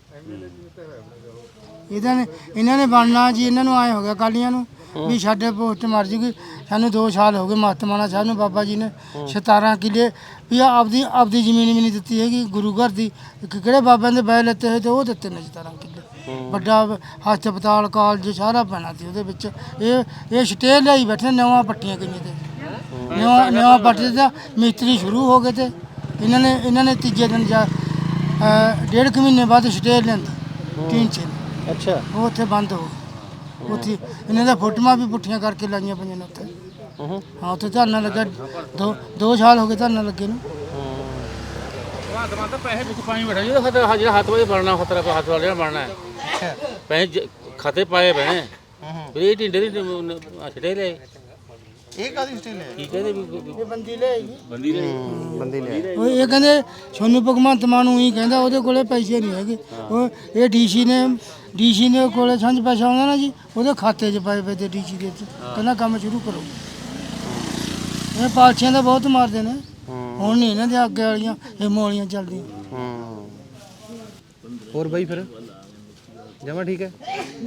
A: ਇਹਨਾਂ ਨੇ ਇਹਨਾਂ ਨੇ ਬਣਨਾ ਜੀ ਇਹਨਾਂ ਨੂੰ ਆਏ ਹੋ ਗਿਆ ਕਾਲੀਆਂ ਨੂੰ ਵੀ ਸਾਡੇ ਪੋਸਟ ਮਰ ਜੂਗੀ ਸਾਨੂੰ ਦੋ ਸਾਲ ਹੋ ਗਏ ਮਹਤਮਾਨਾ ਸਾਹਿਬ ਨੂੰ ਬਾਬਾ ਜੀ ਨੇ ਸਤਾਰਾਂ ਕਿੱਲੇ ਵੀ ਆਪਦੀ ਆਪਦੀ ਜ਼ਮੀਨ ਵੀ ਨਹੀਂ ਦਿੱਤੀ ਹੈਗੀ ਗੁਰੂ ਘਰ ਦੀ ਕਿਹੜੇ ਬਾਬਿਆਂ ਦੇ ਬੈ ਲੈਤੇ ਹੋਏ ਤੇ ਉਹ ਦਿੱਤੇ ਨੇ ਸਤਾਰਾਂ ਕਿੱਲੇ ਵੱਡਾ ਹਸਪਤਾਲ ਕਾਲਜ ਸਾਰਾ ਪੈਣਾ ਸੀ ਉਹਦੇ ਵਿੱਚ ਇਹ ਇਹ ਸਟੇ ਲਈ ਬੈਠੇ ਨਵਾਂ ਪੱਟੀਆਂ ਗਈਆਂ ਤੇ ਨਵਾਂ ਨਵਾਂ ਪੱਟੇ ਦਾ ਮਿਸਤਰੀ ਸ਼ੁਰੂ ਹੋ ਗਏ ਤੇ ਇਹਨਾਂ ਨੇ ਇਹਨਾਂ ਨੇ ਤੀਜੇ ਦਿਨ ਜਾ ਅਹ ਡੇਢ ਕੁ ਮਹੀਨੇ ਬਾਅਦ ਸਟੇ ਲੈਂਦੀ ਤਿੰਨ ਛੇ
C: ਅੱਛਾ
A: ਉਹ ਉੱਥੇ ਬੰਦ ਹੋ ਗਏ ਉੱਥੇ ਇਹਨਾਂ ਦਾ ਫੋਟੋਆਂ ਵੀ ਪੁੱਠੀਆਂ ਕਰਕੇ ਲਾਈਆਂ ਪਈਆਂ ਨੇ ਉੱਥੇ ਹਾਂ ਉੱਥੇ ਧਰਨਾ ਲੱਗਾ ਦੋ ਦੋ ਸਾਲ ਹੋ ਗਏ ਧਰਨਾ ਲੱਗੇ ਨੂੰ
F: ਵਾਹ ਤਾਂ ਪੈਸੇ ਵਿੱਚ ਪਾਈ ਬੈਠਾ ਜਿਹੜਾ ਖਤਰਾ ਜਿਹੜਾ ਹੱਥ ਵਾਲੇ ਬਣਨਾ ਖਤਰਾ ਕੋ ਹੱਥ ਵਾਲੇ ਜਿਹੜਾ ਬਣਨਾ ਹੈ ਪੈਸੇ ਖਾਤੇ ਪਾਏ ਬਣੇ ਫਿਰ ਇਹ ਢਿੰਡੇ ਦੀ ਛੜੇ ਲੈ
C: ਇਹ ਕਾਦੀ ਸਟੇਲ ਹੈ
F: ਕੀ ਕਹਿੰਦੇ ਵੀ
A: ਇਹ ਬੰਦੀ ਲੈ ਆਈ
F: ਬੰਦੀ ਨੇ
C: ਬੰਦੇ ਲਿਆ
A: ਉਹ ਇਹ ਕਹਿੰਦੇ ਸੋਨੂੰ ਭਗਵੰਤ ਮਾਨ ਨੂੰ ਹੀ ਕਹਿੰਦਾ ਉਹਦੇ ਕੋਲੇ ਪੈਸੇ ਨਹੀਂ ਹੈਗੇ ਉਹ ਇਹ ਡੀਸੀ ਨੇ ਡੀਸੀ ਨੇ ਕੋਲੇ ਸੰਝ ਪੈਸਾ ਆਉਂਦਾ ਨਾ ਜੀ ਉਹਦੇ ਖਾਤੇ 'ਚ ਪਾਏ ਪਏ ਤੇ ਡੀਸੀ ਦੇ ਵਿੱਚ ਕਹਿੰਦਾ ਕੰਮ ਸ਼ੁਰੂ ਕਰੋ ਇਹ ਪਾਲਸੀਆਂ ਦਾ ਬਹੁਤ ਮਾਰਦੇ ਨੇ ਹੁਣ ਨਹੀਂ ਇਹਨਾਂ ਦੇ ਅੱਗੇ ਵਾਲੀਆਂ ਇਹ ਮੋਲੀਆਂ ਚੱਲਦੀਆਂ
C: ਹੂੰ ਹੋਰ ਬਾਈ ਫਿਰ ਜਮਾ ਠੀਕ ਹੈ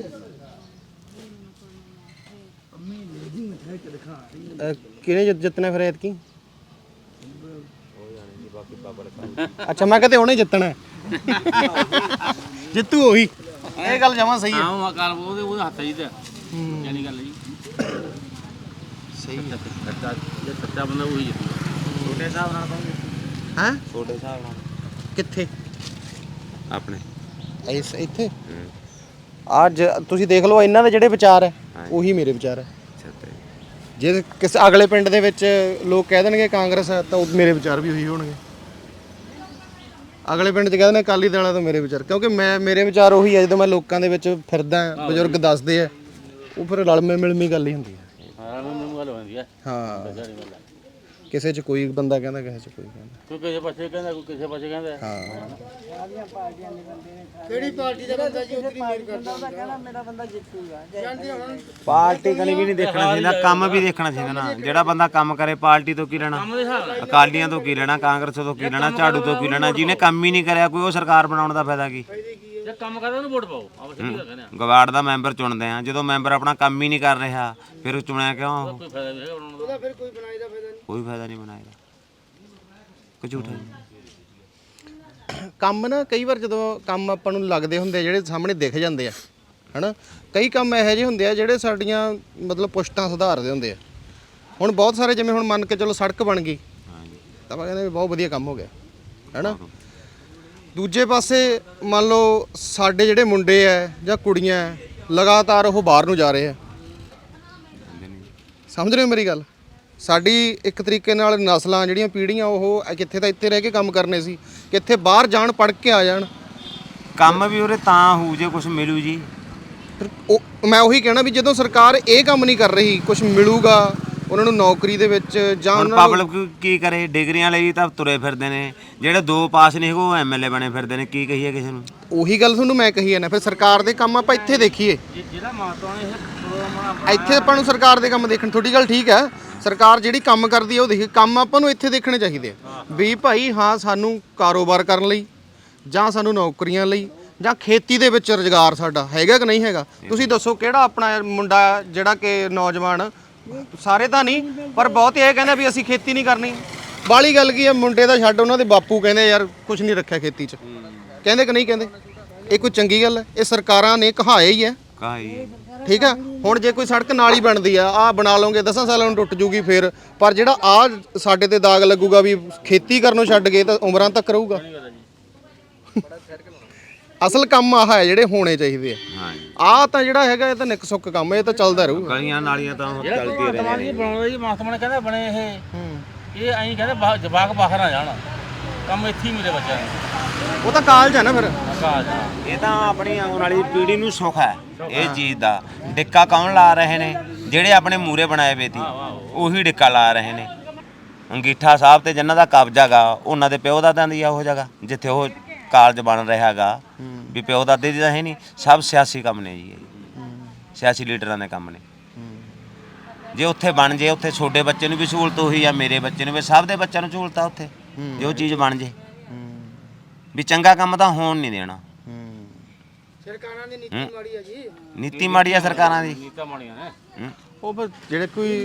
C: ਅਹ, ਕਿਹਨੇ ਜਿੱਤ- ਜਿੱਤਣਾ ਫਿਰ ਐਤਕੀ ਅੱਛਾ ਮੈਂ ਕਹਿੰਦੇ ਉਹਨੇ ਜਿੱਤਣਾ ਹੈ। ਜਿੱਤੂ ਉਹੀ ਇਹ ਗੱਲ ਜਮਾ ਸਹੀ ਹੈ
F: ਹਾਂ ਉਹ ਅਕਾਲ ਉਹਦੇ ਉਹਦੇ ਹੱਥ ਜੀ ਤੇ ਜਾਨੀ ਗੱਲ ਜੀ
C: ਸਹੀ ਹੈ
F: ਸੱਚਾ ਜੇ ਸੱਚਾ ਬੰਦਾ ਉਹੀ ਜਿੱਤੂਗਾ
B: ਛੋਟੇ ਹਿਸਾਬ ਨਾਲ ਕਹੋਗੇ
C: ਹੈ
B: ਛੋਟੇ ਹਿਸਾਬ ਨਾਲ
C: ਕਿੱਥੇ
B: ਆਪਣੇ
C: ਇਸ ਇੱਥੇ ਅੱਜ ਤੁਸੀਂ ਦੇਖ ਲਓ ਇਹਨਾਂ ਦੇ ਜਿਹੜੇ ਵਿਚਾਰ ਹੈ ਉਹੀ ਮੇਰੇ ਵਿਚਾਰ ਹੈ ਜੇ ਕਿਸੇ ਅਗਲੇ ਪਿੰਡ ਦੇ ਵਿੱਚ ਲੋਕ ਕਹਿ ਦੇਣਗੇ ਕਾਂਗਰਸ ਹੈ ਤਾਂ ਉਹ ਮੇਰੇ ਵਿਚਾਰ ਵੀ ਉਹੀ ਹੋਣਗੇ ਅਗਲੇ ਪਿੰਡ 'ਚ ਕਹਿ ਦੇਣ ਅਕਾਲੀ ਦਲ ਤਾਂ ਮੇਰੇ ਵਿਚਾਰ ਕਿਉਂਕਿ ਮੈਂ ਮੇਰੇ ਵਿਚਾਰ ਉਹੀ ਹੈ ਜਦੋਂ ਮੈਂ ਲੋਕਾਂ ਦੇ ਵਿੱਚ ਫਿਰਦਾ ਬਜ਼ੁਰਗ ਦੱਸਦੇ ਆ ਉਹ ਫਿਰ ਰਲਮੇ ਮਿਲਮੀ ਗੱਲ ਹੀ ਹੁੰਦੀ ਹੈ
F: ਹਾਂ ਮੈਨੂੰ ਗੱਲ ਹੁੰਦੀ ਹੈ
C: ਹਾਂ
F: ਜਾਨੀ ਗੱਲ
C: ਕਿਸੇ 'ਚ ਕੋਈ ਬੰਦਾ ਕਹਿੰਦਾ ਕਿਸੇ 'ਚ ਕੋਈ ਕਹਿੰਦਾ
F: ਕੋਈ ਕਿਸੇ ਪਾਸੇ ਕਹਿੰਦਾ ਕੋਈ ਕਿਸੇ ਪਾਸੇ ਕਹਿੰਦਾ
C: ਹਾਂ
A: ਕਿਹੜੀ ਪਾਰਟੀ ਦਾ ਬੰਦਾ ਜੀ ਉਤਰੀ ਮੇਰ ਕਰਦਾ
D: ਕਹਿੰਦਾ ਮੇਰਾ ਬੰਦਾ ਜਿੱਤੂਗਾ
B: ਪਾਰਟੀ ਕਨੀ ਵੀ ਨਹੀਂ ਦੇਖਣਾ ਚਾਹੀਦਾ ਕੰਮ ਵੀ ਦੇਖਣਾ ਚਾਹੀਦਾ ਨਾ ਜਿਹੜਾ ਬੰਦਾ ਕੰਮ ਕਰੇ ਪਾਰਟੀ ਤੋਂ ਕੀ ਲੈਣਾ ਅਕਾਲੀਆਂ ਤੋਂ ਕੀ ਲੈਣਾ ਕਾਂਗਰਸ ਤੋਂ ਕੀ ਲੈਣਾ ਝਾੜੂ ਤੋਂ ਕੀ ਲੈਣਾ ਜਿਹਨੇ ਕੰਮ ਹੀ ਨਹੀਂ ਕਰਿਆ ਕੋਈ ਉਹ ਸਰਕਾਰ ਬਣਾਉਣ ਦਾ ਫਾਇਦਾ ਕੀ
F: ਜੇ ਕੰਮ ਕਰਦਾ ਉਹਨੂੰ ਵੋਟ ਪਾਓ ਆਪਾਂ ਸਿੱਧੀ ਗੱਲ ਕਹਿੰਦੇ ਆ
B: ਗਵਾਰਡ ਦਾ ਮੈਂਬਰ ਚੁਣਦੇ ਆ ਜਦੋਂ ਮੈਂਬਰ ਆਪਣਾ ਕੰਮ ਹੀ ਨਹੀਂ ਕਰ ਰਿਹਾ ਫਿਰ ਉਹ ਚੁਣਿਆ ਕਿਉਂ ਉਹ?
F: ਕੋਈ ਫਾਇਦਾ ਨਹੀਂ ਹੈਗਾ ਬਣਾਉਣ ਦਾ
A: ਫਿਰ ਕੋਈ ਬਣਾਈ ਦਾ ਫਾਇਦਾ ਨਹੀਂ
B: ਕੋਈ ਫਾਇਦਾ ਨਹੀਂ ਬਣਾਏਗਾ ਕਿ ਝੂਠਾ
C: ਕੰਮ ਨਾ ਕਈ ਵਾਰ ਜਦੋਂ ਕੰਮ ਆਪਾਂ ਨੂੰ ਲੱਗਦੇ ਹੁੰਦੇ ਆ, ਜਿਹੜੇ ਸਾਹਮਣੇ ਦਿਖ ਜਾਂਦੇ ਆ ਹਨਾ ਕਈ ਕੰਮ ਇਹੋ ਜਿਹੇ ਹੁੰਦੇ ਆ ਜਿਹੜੇ ਸਾਡੀਆਂ ਮਤਲਬ ਪੁਸ਼ਤਾਂ ਸੁਧਾਰਦੇ ਹੁੰਦੇ ਆ ਹੁਣ ਬਹੁਤ ਸਾਰੇ ਜਿਵੇਂ ਹੁਣ ਮੰਨ ਕੇ ਚਲੋ ਸੜਕ ਬਣ ਗਈ ਤਾਂ ਆਪਾਂ ਕਹਿੰਦੇ ਵੀ ਬਹੁਤ ਵਧੀਆ ਕੰਮ ਹੋ ਗਿਆ ਹੈਨਾ ਦੂਜੇ ਪਾਸੇ ਮੰਨ ਲਓ ਸਾਡੇ ਜਿਹੜੇ ਮੁੰਡੇ ਆ ਜਾਂ ਕੁੜੀਆਂ ਹੈ, ਲਗਾਤਾਰ ਉਹ ਬਾਹਰ ਨੂੰ ਜਾ ਰਹੇ ਆ ਸਮਝ ਰਹੇ ਹੋ ਮੇਰੀ ਗੱਲ ਸਾਡੀ ਇੱਕ ਤਰੀਕੇ ਨਾਲ ਨਸਲਾਂ ਜਿਹੜੀਆਂ ਪੀੜ੍ਹੀਆਂ ਉਹ ਕਿੱਥੇ ਤਾਂ ਇੱਥੇ ਰਹਿ ਕੇ ਕੰਮ ਕਰਨੇ ਸੀ ਕਿੱਥੇ ਬਾਹਰ ਜਾਣ ਪੜ੍ਹ ਕੇ ਆ ਜਾਣ
B: ਕੰਮ ਵੀ ਉਰੇ ਤਾਂ ਹੋਊ ਜੇ ਕੁਝ ਮਿਲੂ ਜੀ
C: ਫਿਰ ਉਹ ਮੈਂ ਉਹੀ ਕਹਿਣਾ ਵੀ ਜਦੋਂ ਸਰਕਾਰ ਇਹ ਕੰਮ ਨਹੀਂ ਕਰ ਰਹੀ ਕੁਝ ਮਿਲੂਗਾ ਉਹਨਾਂ ਨੂੰ ਨੌਕਰੀ ਦੇ ਵਿੱਚ ਜਾਂ
B: ਹੁਣ
C: ਉਹਨਾਂ ਨੂੰ
B: ਪਬਲਿਕ ਕੀ ਕਰੇ ਡਿਗਰੀਆਂ ਲਈ ਤਾਂ ਤੁਰੇ ਫਿਰਦੇ ਨੇ ਜਿਹੜੇ ਦੋ ਪਾਸ ਨਹੀਂ ਹੈਗੇ ਉਹ ਐਮਐਲਏ ਬਣੇ ਫਿਰਦੇ ਨੇ ਕੀ ਕਹੀਏ ਕਿਸੇ ਨੂੰ
C: ਉਹੀ ਗੱਲ ਤੁਹਾਨੂੰ ਮੈਂ ਕਹੀ ਹੈ ਨਾ ਫਿਰ ਸਰਕਾਰ ਦੇ ਕੰਮ ਆਪਾਂ ਇੱਥੇ ਦੇਖੀਏ
F: ਜਿਹੜਾ ਮਾਤਵਾ ਨੇ ਇਹ ਪ੍ਰੋਗਰਾਮ
C: ਇੱਥੇ ਆਪਾਂ ਨੂੰ ਸਰਕਾਰ ਦੇ ਕੰਮ ਦੇਖਣ ਤੁਹਾਡੀ ਗੱਲ ਠੀਕ ਹੈ ਸਰਕਾਰ ਜਿਹੜੀ ਕੰਮ ਕਰਦੀ ਹੈ ਉਹ ਦੇਖੀ ਕੰਮ ਆਪਾਂ ਨੂੰ ਇੱਥੇ ਦੇਖਣੇ ਚਾਹੀਦੇ ਆ ਵੀ ਭਾਈ ਹਾਂ ਸਾਨੂੰ ਕਾਰੋਬਾਰ ਕਰਨ ਲਈ ਜਾਂ ਸਾਨੂੰ ਨੌਕਰੀਆਂ ਲਈ ਜਾਂ ਖੇਤੀ ਦੇ ਵਿੱਚ ਰੁਜ਼ਗਾਰ ਸਾਡਾ ਹੈਗਾ ਕਿ ਨਹੀਂ ਹੈਗਾ ਤੁਸੀਂ ਦੱਸੋ ਕਿਹੜਾ ਆਪਣਾ ਮੁੰਡਾ ਜਿਹੜਾ ਕਿ ਨੌਜਵਾਨ ਸਾਰੇ ਤਾਂ ਨਹੀਂ ਪਰ ਬਹੁਤ ਇਹ ਕਹਿੰਦਾ ਵੀ ਅਸੀਂ ਖੇਤੀ ਨਹੀਂ ਕਰਨੀ ਬਾਲੀ ਗੱਲ ਕੀ ਹੈ ਮੁੰਡੇ ਦਾ ਛੱਡ ਉਹਨਾਂ ਦੇ ਬਾਪੂ ਕਹਿੰਦੇ ਯਾਰ ਕੁਝ ਨਹੀਂ ਰੱਖਿਆ ਖੇਤੀ 'ਚ ਕਹਿੰਦੇ ਕਿ ਨਹੀਂ ਕਹਿੰਦੇ ਇਹ ਕੋਈ ਚੰਗੀ ਗੱਲ ਹੈ? ਇਹ ਸਰਕਾਰਾਂ ਨੇ ਕਹਾਇਆ ਹੀ ਹੈ,
B: ਕਾਹੀ
C: ਠੀਕ ਆ। ਹੁਣ ਜੇ ਕੋਈ ਸੜਕ ਨਾਲ ਹੀ ਬਣਦੀ ਆ, ਆ ਬਣਾ ਲਓਗੇ ਦਸਾਂ ਸਾਲਾਂ ਨੂੰ ਟੁੱਟ ਜੂਗੀ ਫਿਰ, ਪਰ ਜਿਹੜਾ ਆ ਸਾਡੇ ਤੇ ਦਾਗ ਲੱਗੂਗਾ ਵੀ ਖੇਤੀ ਕਰਨੋਂ ਛੱਡ ਗਏ ਤਾਂ ਉਮਰਾਂ ਤੱਕ ਰਹੂਗਾ। ਅਸਲ ਕੰਮ ਆਹ ਹੈ ਜਿਹੜੇ ਹੋਣੇ ਚਾਹੀਦੇ ਆ।
B: ਹਾਂਜੀ
C: ਆ ਤਾਂ ਜਿਹੜਾ ਹੈਗਾ ਇਹ ਤਾਂ ਨਿੱਕ ਸੁੱਕ ਕੰਮ, ਇਹ ਤਾਂ ਚੱਲਦਾ ਰਹੂਗਾ।
B: ਗਲੀਆਂ ਨਾਲੀਆਂ ਤਾਂ ਹੁਣ
F: ਜਿਹੜਾ
B: ਚੱਲਦੀਆਂ
F: ਭਗਵੰਤ ਮਾਨ ਜੀ
B: ਰਹੀਆਂ ਨੇ।
F: ਬਣਾਉਂਦਾ ਜੀ, ਮਾਸਟਰ ਨੇ ਕਹਿੰਦਾ ਬਣੇ ਇਹ ਇਹ ਐਂ ਕਹਿੰਦੇ ਬਾ- ਜਵਾਕ ਬਾਹਰ ਨਾ ਜਾਣ, ਕੰਮ ਇੱਥੇ ਹੀ ਮਿਲੇ ਬੱਚਿਆਂ ਨੂੰ।
C: ਉਹ ਤਾਂ ਕਾਲਜ ਹੈ ਨਾ ਫਿਰ।
F: ਕਾਜ
B: ਇਹ ਤਾਂ ਆਪਣੀ ਆਉਣ ਵਾਲੀ ਪੀੜ੍ਹੀ ਨੂੰ ਸੁੱਖ ਹੈ ਇਹ ਚੀਜ਼ ਦਾ। ਡਿੱਕਾ ਕੌਣ ਲਾ ਰਹੇ ਨੇ? ਜਿਹੜੇ ਆਪਣੇ ਮੂਰੇ ਬਣਾਏ ਵੇ ਤੀ ਉਹੀ ਡਿੱਕਾ ਲਾ ਰਹੇ ਨੇ। ਅੰਗੀਠਾ ਸਾਹਿਬ ਤੇ ਜਿਨ੍ਹਾਂ ਦਾ ਕਬਜ਼ਾ ਗਾ, ਉਹਨਾਂ ਦੇ ਪਿਓ ਦਾਦਿਆਂ ਦੀ ਆ ਉਹ ਜਗ੍ਹਾ ਜਿੱਥੇ ਉਹ ਕਾਲਜ ਬਣ ਰਿਹਾ ਗਾ, ਵੀ ਪਿਓ ਦਾਦੇ ਦੀ ਤਾਂ ਹੈ ਨਹੀਂ। ਸਭ ਸਿਆਸੀ ਕੰਮ ਨੇ ਜੀ, ਇਹ ਸਿਆਸੀ ਲੀਡਰਾਂ ਦੇ ਕੰਮ ਨੇ। ਜੇ ਉੱਥੇ ਬਣ ਜੇ, ਉੱਥੇ ਛੋਟੇ ਬੱਚੇ ਨੂੰ ਵੀ ਸਹੂਲਤ ਉਹੀ ਆ, ਮੇਰੇ ਬੱਚੇ ਨੂੰ ਵੀ, ਸਭ ਦੇ ਬੱਚਿਆਂ ਨੂੰ ਸਹੂਲਤ ਆ ਉੱਥੇ। ਜੇ ਉਹ ਚੀਜ਼ ਬਣ ਜੇ ਵੀ ਚੰਗਾ ਕੰਮ ਤਾਂ ਹੋਣ ਨਹੀਂ ਦੇਣਾ।
A: ਸਰਕਾਰਾਂ ਦੀ ਨੀਤੀ ਮਾੜੀ ਆ ਜੀ।
B: ਨੀਤੀ ਮਾੜੀ ਆ ਸਰਕਾਰਾਂ ਦੀ।
F: ਨੀਤਾਂ ਮਾੜੀਆਂ ਨੇ
B: ਹੂੰ।
C: ਉਹ ਫਿਰ ਜਿਹੜੇ ਕੋਈ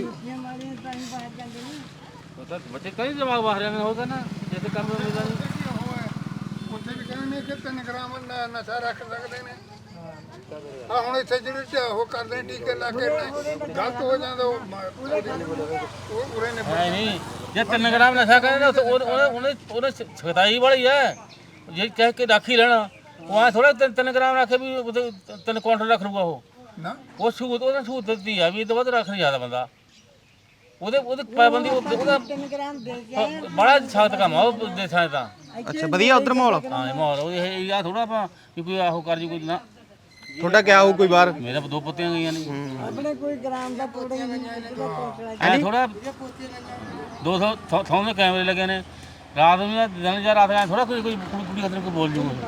F: ਉਹ ਤਾਂ ਬੱਚੇ ਕਈ ਜਵਾਕ ਬਾਹਰ ਜਾਂਦੇ ਹੋਗਾ ਨਾ, ਜਿੱਥੇ ਕੰਮ ਮਿਲਦਾ ਨਹੀਂ।
E: ਉੱਥੇ ਵੀ ਕਹਿੰਦੇ ਨੇ ਕਿ ਤਿੰਨ ਗ੍ਰਾਮ ਨ- ਨਸ਼ਾ ਰੱਖ ਸਕਦੇ ਨੇ। ਆ ਹੁਣ ਇੱਥੇ ਜਿਹੜੇ ਚ ਉਹ ਕਰਦੇ ਨੇ ਟੀਕੇ ਲਾ ਕੇ ਨੇ, ਗਲਤ ਹੋ ਜਾਂਦਾ ਉਹ ਮ- ਉਹ ਉਰੇ ਨੇ
F: ਐ ਨਹੀਂ, ਜੇ ਤਿੰਨ ਗ੍ਰਾਮ ਨਸ਼ਾ ਕਰੇ ਨਾ ਉਹਨੇ ਉਹਨੇ ਉਹਨੇ ਸਖਤਾਈ ਵਾਲੀ ਹੈ। ਜੇ ਕਹਿ ਕੇ ਰੱਖ ਹੀ ਲੈਣਾ, ਉਹ ਐ ਥੋੜਾ ਤਿੰਨ ਤਿੰਨ ਗ੍ਰਾਮ ਰੱਖੇ ਵੀ ਉਹਦੇ ਤਿੰਨ ਕੁਆਂਟਲ ਰੱਖ ਲੂਗਾ ਉਹ।
E: ਨਾ
F: ਉਹ ਸਹੂਲਤ ਉਹਨੇ ਸਹੂਲਤ ਦਿੱਤੀ ਆ ਵੀ ਇਹ ਤੋਂ ਵੱਧ ਰੱਖ ਨਹੀਂ ਸਕਦਾ ਬੰਦਾ। ਉਹਦੇ ਉਹਦੇ ਪਾਬੰਦੀ ਉਹ- ਉਹਦਾ ਬੜਾ ਸਖਤ ਕੰਮ ਆ ਉਹ ਦੇਸ਼ਾਂ 'ਚ ਤਾਂ।
C: ਅੱਛਾ ਵਧੀਆ ਉਧਰ ਮਾਹੌਲ
F: ਹਾਂ ਇਹ ਮਾਹੌਲ ਉਹ ਇਹ ਆ ਥੋੜਾ ਆਪਾਂ ਵੀ ਕੋਈ ਆਹੋ ਕਰ ਜੀ ਕੋਈ ਨਾ।
C: ਤੁਹਾਡਾ ਕਿਆ ਹੋਊ ਕੋਈ ਬਾਹਰ?
F: ਮੇਰੇ ਦੋ ਪੁੱਤੀਆਂ ਗਈਆਂ ਨੇ
D: ਆਪਣੇ ਕੋਈ ਗ੍ਰਾਮ ਦਾ ਪੂਰਾ ਹੀ ਨਹੀਂ।
F: ਐ ਥੋੜਾ ਦੋ ਸੌ ਥੌ- ਥੌਂ ਦੇ ਕੈਮਰੇ ਲੱਗੇ ਨੇ, ਰਾਤ ਨੂੰ ਜਾਂ ਦਿਨ ਜਾਂ ਰਾਤ ਐ ਥੋੜਾ ਕੋਈ ਕੋਈ ਕੁੜੀ ਕੁੜੀ ਖਤਰੇ ਕੋਈ ਬੋਲ ਜੂਗਾ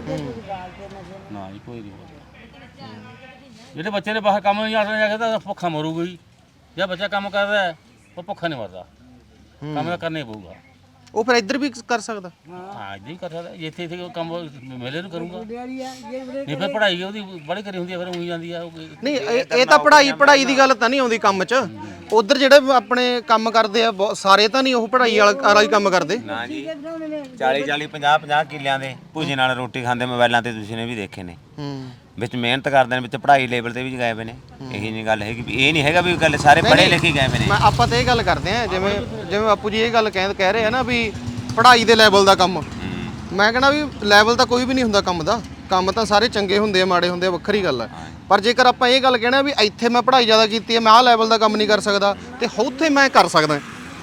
F: ਨਾ ਜੀ, ਕੋਈ ਨਹੀਂ ਬੋਲਦਾ। ਜਿਹੜੇ ਬੱਚੇ ਨੇ ਬਾਹਰ ਕੰਮ ਨਹੀਂ ਆ ਸਕਦੇ, ਤਾਂ ਭੁੱਖਾ ਮਰੂਗਾ ਹੀ। ਜੇ ਬੱਚਾ ਕੰਮ ਕਰਦਾ ਹੈ, ਉਹ ਭੁੱਖਾ ਨਹੀਂ ਮਰਦਾ, ਕੰਮ ਤਾਂ ਕਰਨਾ ਹੀ ਪਊਗਾ।
C: ਉਹ ਫਿਰ ਇੱਧਰ ਵੀ ਕਰ ਸਕਦਾ।
F: ਹਾਂ ਇੱਦਾਂ ਹੀ ਕਰ ਸਕਦਾ, ਜੇ ਇੱਥੇ ਇੱਥੇ ਕੰਮ ਮੇਲੇ ਨੂੰ ਕਰੂੰਗਾ।
D: ਡਿਆਰੀ ਆ ਜੇ ਵੀਰੇ
F: ਨਹੀਂ ਫਿਰ ਪੜ੍ਹਾਈ ਉਹਦੀ ਬੜੀ ਕਰੀ ਹੁੰਦੀ ਹੈ, ਫਿਰ ਉਹੀ ਜਾਂਦੀ ਆ ਉਹ ਕੋਈ-
C: ਨਹੀਂ ਇਹ ਇਹ ਤਾਂ ਪੜ੍ਹਾਈ ਪੜ੍ਹਾਈ ਦੀ ਗੱਲ ਤਾਂ ਨਹੀਂ ਆਉਂਦੀ ਕੰਮ 'ਚ। ਉਧਰ ਜਿਹੜੇ ਆਪਣੇ ਕੰਮ ਕਰਦੇ ਆ ਬਹੁਤ ਸਾਰੇ ਤਾਂ ਨਹੀਂ ਉਹ ਪੜ੍ਹਾਈ ਵਾਲਾ ਵਾਲਾ ਹੀ ਕੰਮ ਕਰਦੇ।
B: ਨਾ ਜੀ ਚਾਲੀ ਚਾਲੀ ਪੰਜਾਹ ਪੰਜਾਹ ਕਿੱਲਿਆਂ ਦੇ ਭੁਜੀ ਨਾਲ ਰੋਟੀ ਖਾਂਦੇ ਮੋਬਾਈਲਾਂ ਤੇ ਤੁਸੀਂ ਨੇ ਵੀ ਦੇਖੇ ਨੇ।
C: ਹੂੰ
B: ਵਿੱਚ ਮਿਹਨਤ ਕਰਦੇ ਨੇ, ਵਿੱਚ ਪੜ੍ਹਾਈ ਲੈਵਲ ਤੇ ਵੀ ਗਏ ਹੋਏ ਨੇ। ਇਹੀ ਨਹੀਂ ਗੱਲ ਹੈਗੀ ਵੀ ਇਹ ਨਹੀਂ ਹੈਗਾ ਵੀ ਗੱਲ ਸਾਰੇ ਪੜ੍ਹੇ ਲਿਖੇ ਗਏ ਹੋਏ ਨੇ।
C: ਮੈਂ ਆਪਾਂ ਤਾਂ ਇਹ ਗੱਲ ਕਰਦੇ ਆ, ਜਿਵੇਂ ਜਿਵੇਂ ਬਾਪੂ ਜੀ ਇਹ ਗੱਲ ਕਹਿ ਕਹਿ ਰਹੇ ਆ ਨਾ ਵੀ ਪੜ੍ਹਾਈ ਦੇ ਲੈਵਲ ਦਾ ਕੰਮ। ਮੈਂ ਕਹਿੰਦਾ ਵੀ ਲੈਵਲ ਤਾਂ ਕੋਈ ਵੀ ਨਹੀਂ ਹੁੰਦਾ ਕੰਮ ਦਾ। ਕੰਮ ਤਾਂ ਸਾਰੇ ਚੰਗੇ ਹੁੰਦੇ ਆ, ਮਾੜੇ ਹੁੰਦੇ ਆ, ਵੱਖਰੀ ਗੱਲ ਹੈ। ਪਰ ਜੇਕਰ ਆਪਾਂ ਇਹ ਗੱਲ ਕਹਿਣਾ ਵੀ ਇੱਥੇ ਮੈਂ ਪੜ੍ਹਾਈ ਜ਼ਿਆਦਾ ਕੀਤੀ ਹੈ, ਮੈਂ ਆਹ ਲੈਵਲ ਦਾ ਕੰਮ ਨਹੀਂ ਕਰ ਸਕਦਾ, ਤੇ ਉੱਥੇ ਮੈਂ ਕਰ ਸਕਦਾ।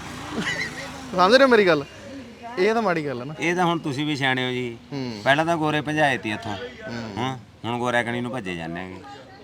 C: ਸਮਝ ਰਹੇ ਹੋ ਮੇਰੀ ਗੱਲ? ਇਹ ਤਾਂ ਮਾੜੀ ਗੱਲ ਹੈ ਨਾ।
B: ਇਹ ਤਾਂ ਹੁਣ ਤੁਸੀਂ ਵੀ ਸਿਆਣੇ ਹੋ ਜੀ। ਪਹਿਲਾਂ ਤਾਂ ਗੋਰੇ ਭਜਾਏ ਤੀ ਇੱਥੋਂ, ਹਾਂ ਹੁਣ ਗੋਰਾ ਕਣੀ ਨੂੰ ਭੱਜੇ ਜਾਂਦੇ ਹੈਗੇ।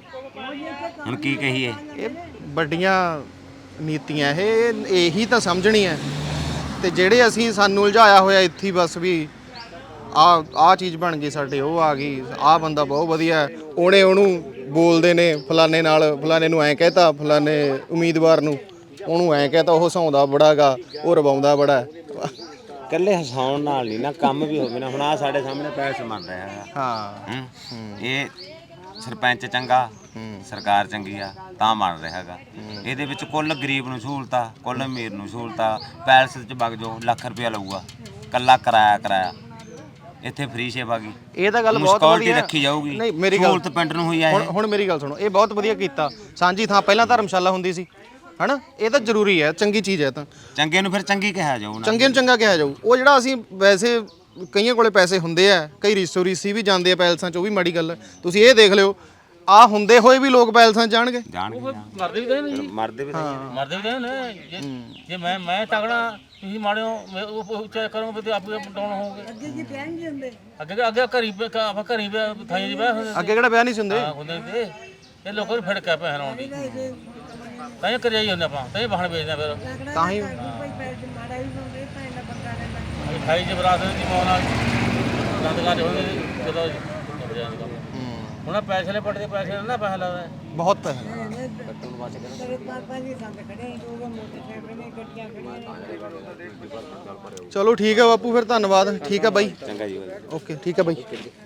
B: ਹੁਣ ਕੀ ਕਹੀਏ?
C: ਇਹ ਵੱਡੀਆਂ ਨੀਤੀਆਂ ਇਹ ਇਹੀ ਤਾਂ ਸਮਝਣੀ ਹੈ। ਤੇ ਜਿਹੜੇ ਅਸੀਂ ਸਾਨੂੰ ਉਲਝਾਇਆ ਹੋਇਆ ਇੱਥੇ ਹੀ ਬਸ ਵੀ ਆ ਆ ਚੀਜ਼ ਬਣ ਗਈ ਸਾਡੇ, ਉਹ ਆ ਗਈ, ਆ ਬੰਦਾ ਬਹੁਤ ਵਧੀਆ, ਉਹਨੇ ਉਹਨੂੰ ਬੋਲਦੇ ਨੇ ਫਲਾਣੇ ਨਾਲ, ਫਲਾਣੇ ਨੂੰ ਐਂ ਕਹਿਤਾ, ਫਲਾਣੇ ਉਮੀਦਵਾਰ ਨੂੰ ਉਹਨੂੰ ਐਂ ਕਹਿਤਾ, ਉਹ ਹਸਾਉਂਦਾ ਬੜਾ ਗਾ, ਉਹ ਰਵਾਉਂਦਾ ਬੜਾ।
B: ਇਕੱਲੇ ਹਸਾਉਣ ਨਾਲ ਨਹੀਂ ਨਾ, ਕੰਮ ਵੀ ਹੋਵੇ ਨਾ। ਹੁਣ ਆ ਸਾਡੇ ਸਾਹਮਣੇ ਪੈਲਸ ਬਣ ਰਿਹਾ ਹੈਗਾ।
C: ਹਾਂ
B: ਹੂੰ। ਇਹ ਸਰਪੰਚ ਚੰਗਾ, ਸਰਕਾਰ ਚੰਗੀ ਆ ਤਾਂ ਬਣ ਰਿਹਾ ਹੈਗਾ। ਇਹਦੇ ਵਿੱਚ ਕੁੱਲ ਗਰੀਬ ਨੂੰ ਸਹੂਲਤਾਂ, ਕੁੱਲ ਅਮੀਰ ਨੂੰ ਸਹੂਲਤਾਂ। ਪੈਲਸ 'ਚ ਵਗ ਜਾਓ ਲੱਖ ਰੁਪਇਆ ਲਊਗਾ ਕੱਲਾ ਕਿਰਾਇਆ ਕਿਰਾਇਆ। ਇੱਥੇ ਫ੍ਰੀ ਸੇਵਾ ਗਈ,
C: ਇਹ ਤਾਂ ਗੱਲ ਬਹੁਤ
B: ਮੁਸਕੌਲਟੀ
C: ਵਧੀਆ
B: ਰੱਖੀ ਜਾਊਗੀ।
C: ਨਹੀਂ ਮੇਰੀ ਗੱਲ
B: ਸਹੂਲਤ ਪਿੰਡ ਨੂੰ ਹੋਈ ਆ
C: ਹੁਣ
B: ਇਹ।
C: ਹੁਣ ਮੇਰੀ ਗੱਲ ਸੁਣੋ, ਇਹ ਬਹੁਤ ਵਧੀਆ ਕੀਤਾ। ਸਾਂਝੀ ਥਾਂ ਪਹਿਲਾਂ ਧਰਮਸ਼ਾਲਾ ਹੁੰਦੀ ਸੀ ਹਨਾ, ਇਹ ਤਾਂ ਜ਼ਰੂਰੀ ਹੈ, ਚੰਗੀ ਚੀਜ਼ ਹੈ। ਤਾਂ
B: ਚੰਗੇ ਨੂੰ ਫਿਰ ਚੰਗੀ ਕਿਹਾ ਜਾਊ ਨਾ।
C: ਚੰਗੇ ਨੂੰ ਚੰਗਾ ਕਿਹਾ ਜਾਊ। ਉਹ ਜਿਹੜਾ ਅਸੀਂ ਵੈਸੇ ਕਈਆਂ ਕੋਲੇ ਪੈਸੇ ਹੁੰਦੇ ਆ, ਕਈ ਰੀਸੋ ਰੀਸੀ ਵੀ ਜਾਂਦੇ ਆ ਪੈਲਸਾਂ 'ਚ, ਉਹ ਵੀ ਮਾੜੀ ਗੱਲ ਹੈ। ਤੁਸੀਂ ਇਹ ਦੇਖ ਲਿਓ, ਆ ਹੁੰਦੇ ਹੋਏ ਵੀ ਲੋਕ ਪੈਲਸਾਂ 'ਚ ਜਾਣਗੇ।
B: ਜਾਣਗੇ
F: ਮਰਦੇ ਵੀ ਤਾਂ ਨਹੀਂ,
B: ਮਰਦੇ ਵੀ ਤਾਂ
F: ਮਰਦੇ ਵੀ ਤਾਂ ਨੇ। ਜੇ ਜੇ ਮੈਂ ਮੈਂ ਤਗੜਾ, ਤੁਸੀਂ ਮਾੜਿਓ, ਮੈਂ ਉਹ ਉੱਚਾ ਕਰੋਗੇ ਤੇ ਆਪੇ ਡਾਊਨ ਹੋਵੋਗੇ।
D: ਅੱਗੇ ਜੀ ਪਿਆ ਨਹੀਂ ਹੁੰਦੇ।
F: ਅੱਗੇ ਅੱਗੇ ਘਰੀ ਪੇ- ਆਪਾਂ ਘਰੀ ਪੇ- ਥਾਈਂ ਜੀ ਬਹਿ ਹੁੰਦੇ
C: ਅੱਗੇ ਕਿਹੜਾ ਵਿਆਹ ਨਹੀਂ ਸੀ ਹੁੰਦੇ।
F: ਹਾਂ ਹੁੰਦੇ ਤੇ ਇਹ ਲੋਕਾਂ ਨੂੰ ਫੜਕਾ ਪੈ ਹਰਾਉਣ ਦੀ ਤਾਂ ਇਹ ਕਰਿਆ ਹੀ ਹੁੰਦਾ ਆਪਾਂ, ਤਾਂ ਇਹ ਬਾਹਣ ਵੇਚਦੇ ਫਿਰ।
C: ਤਾਂ ਹੀ
D: ਕੋਈ ਪੈਸੇ ਮਾੜਾ ਵੀ ਹੁੰਦੇ ਤਾਂ ਇਹਨਾਂ ਬੰਦਾ ਰਹਿੰਦਾ।
F: ਖਾਈ ਚ ਬਰਾਤ ਦੀ ਮੌਨ ਨਾਲ ਦੰਦਗਾਜ ਹੁੰਦੇ ਜਦੋਂ ਨਿਬੜਿਆ ਕੰਮ। ਹੁਣ ਆਹ ਪੈਸੇ ਲੈ ਪੱਟਦੇ, ਪੈਸੇ ਨਾਲ ਨਾ ਪੈਸਾ ਲੱਗਦਾ।
C: ਬਹੁਤ ਪੈਸੇ
D: ਤੇਰੇ ਪਾਪਾ ਜੀ ਸੰਗ ਖੜੇ ਨੇ, ਉਹ ਮੋਟਰਸਾਈਕਲ ਨੇ, ਗੱਡੀਆਂ ਖੜੀਆਂ ਨੇ।
C: ਚਲੋ ਠੀਕ ਹੈ ਬਾਪੂ, ਫਿਰ ਧੰਨਵਾਦ। ਠੀਕ ਹੈ ਬਾਈ,
B: ਚੰਗਾ ਜੀ।
C: ਓਕੇ ਠੀਕ ਹੈ ਬਾਈ।